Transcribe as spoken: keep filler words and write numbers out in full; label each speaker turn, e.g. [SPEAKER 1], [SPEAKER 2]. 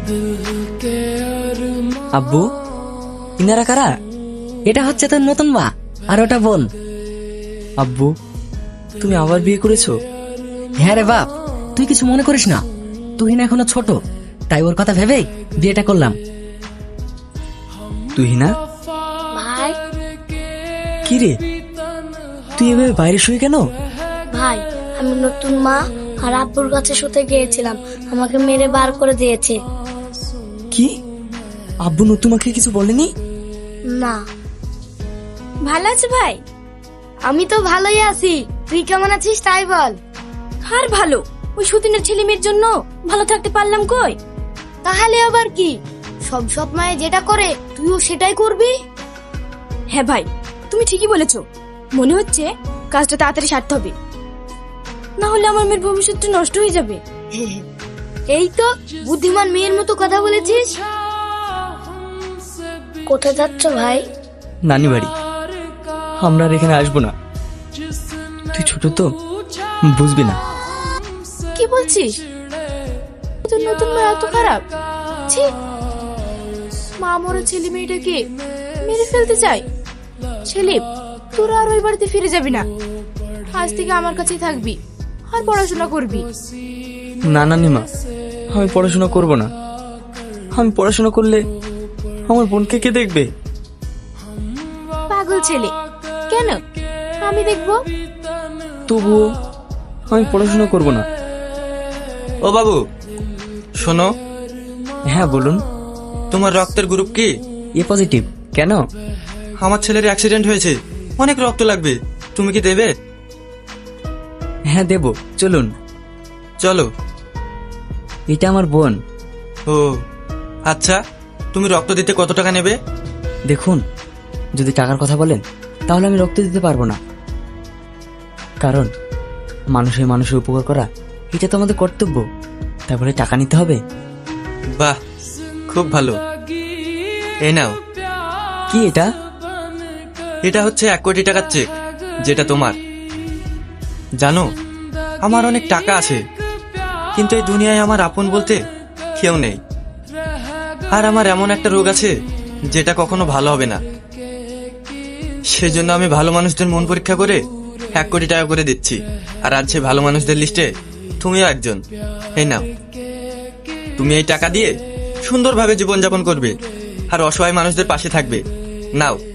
[SPEAKER 1] আব্বু, ইনারা কারা? এটা হচ্ছে তোর নতুন মা, আর ওটা বোন। আব্বু, তুমি আবার বিয়ে করেছো? হ্যাঁ রে বাপ, তুই কিছু মনে করিস না, তুহিনা এখনো ছোট, তাই ওর কথা ভেবেই বিয়েটা করলাম। তুহিনা
[SPEAKER 2] ভাই,
[SPEAKER 1] কি রে, তুই এভাবে বাইরে শুয়ে কেন?
[SPEAKER 2] ভাই আমি নতুন মা আর আব্বুর কাছে শুতে গিয়েছিলাম, আমাকে মেরে বার করে দিয়েছে।
[SPEAKER 1] কি, আব্বু তোমাকে কিছু বলেনি?
[SPEAKER 2] না। ভালো আছে ভাই? আমি তো ভালোই আছি, তুই কেমন আছিস তাই বল। আর ভালো, ওই সতীনের ছেলে মেয়ের জন্য ভালো থাকতে পারলাম কই? তাহলে আবার কি, সব সব মায়ে যেটা করে তুইও সেটাই করবি।
[SPEAKER 3] হ্যাঁ ভাই, তুমি ঠিকই বলেছো, মনে হচ্ছে কাজটা তাড়াতাড়ি সারতে হবে, না হলে আমার মেয়ের ভবিষ্যৎটা নষ্ট হয়ে যাবে।
[SPEAKER 2] এই তো বুদ্ধিমান মেয়ের মতো কথা বলেছিস। কোথায় যাচ্ছ ভাই?
[SPEAKER 1] নানি বাড়ি। আমরা আর এখানে আসবো না, তুই ছোট তো বুঝবি না।
[SPEAKER 3] কি বলছিস? তোর নতুন মা এত খারাপ? ছি, মা মরা ছেলে মেয়েটাকে মেরে ফেলতে চায়। ছেলে, তোরা আর ওই বাড়িতে ফিরে যাবি না, আজ থেকে আমার কাছেই থাকবি আর পড়াশোনা করবি।
[SPEAKER 1] না নানিমা, আমি পড়াশোনা করব না। আমি পড়াশোনা করলে আমার বোনকে কে দেখবে?
[SPEAKER 3] পাগল ছেলে, কেন? আমি দেখবো।
[SPEAKER 1] তবুও আমি পড়াশোনা করব না।
[SPEAKER 4] ও বাবু শোনো।
[SPEAKER 1] হ্যাঁ বলুন।
[SPEAKER 4] তোমার রক্তের গ্রুপ কি?
[SPEAKER 1] A positive. কেন?
[SPEAKER 4] আমার ছেলের অ্যাক্সিডেন্ট হয়েছে, অনেক রক্ত লাগবে, তুমি কি দেবে?
[SPEAKER 1] হ্যাঁ দেব, চলুন।
[SPEAKER 4] চলো।
[SPEAKER 1] এটা আমার বোন।
[SPEAKER 4] ও আচ্ছা, তুমি রক্ত দিতে কত টাকা নেবে?
[SPEAKER 1] দেখুন, যদি টাকার কথা বলেন তাহলে আমি রক্ত দিতে পারবো না, কারণ মানুষের মানুষের উপকার করা এটা তো আমাদের কর্তব্য। তারপরে টাকা নিতে হবে?
[SPEAKER 4] বাহ, খুব ভালো। এই নাও।
[SPEAKER 1] কি এটা?
[SPEAKER 4] এটা হচ্ছে এক কোটি টাকার চেক, যেটা তোমার। জানো, আমার অনেক টাকা আছে, কিন্তু এই দুনিয়ায় আমার আপন বলতে কেউ নেই। আর আমার এমন একটা রোগ আছে যেটা কখনো ভালো হবে না, সেজন্য আমি ভালো মানুষদের মন পরীক্ষা করে এক কোটি টাকা করে দিচ্ছি। আর আজ সে ভালো মানুষদের লিস্টে তুমিও একজন। এই নাও, তুমি এই টাকা দিয়ে সুন্দরভাবে জীবনযাপন করবে আর অসহায় মানুষদের পাশে থাকবে। নাও।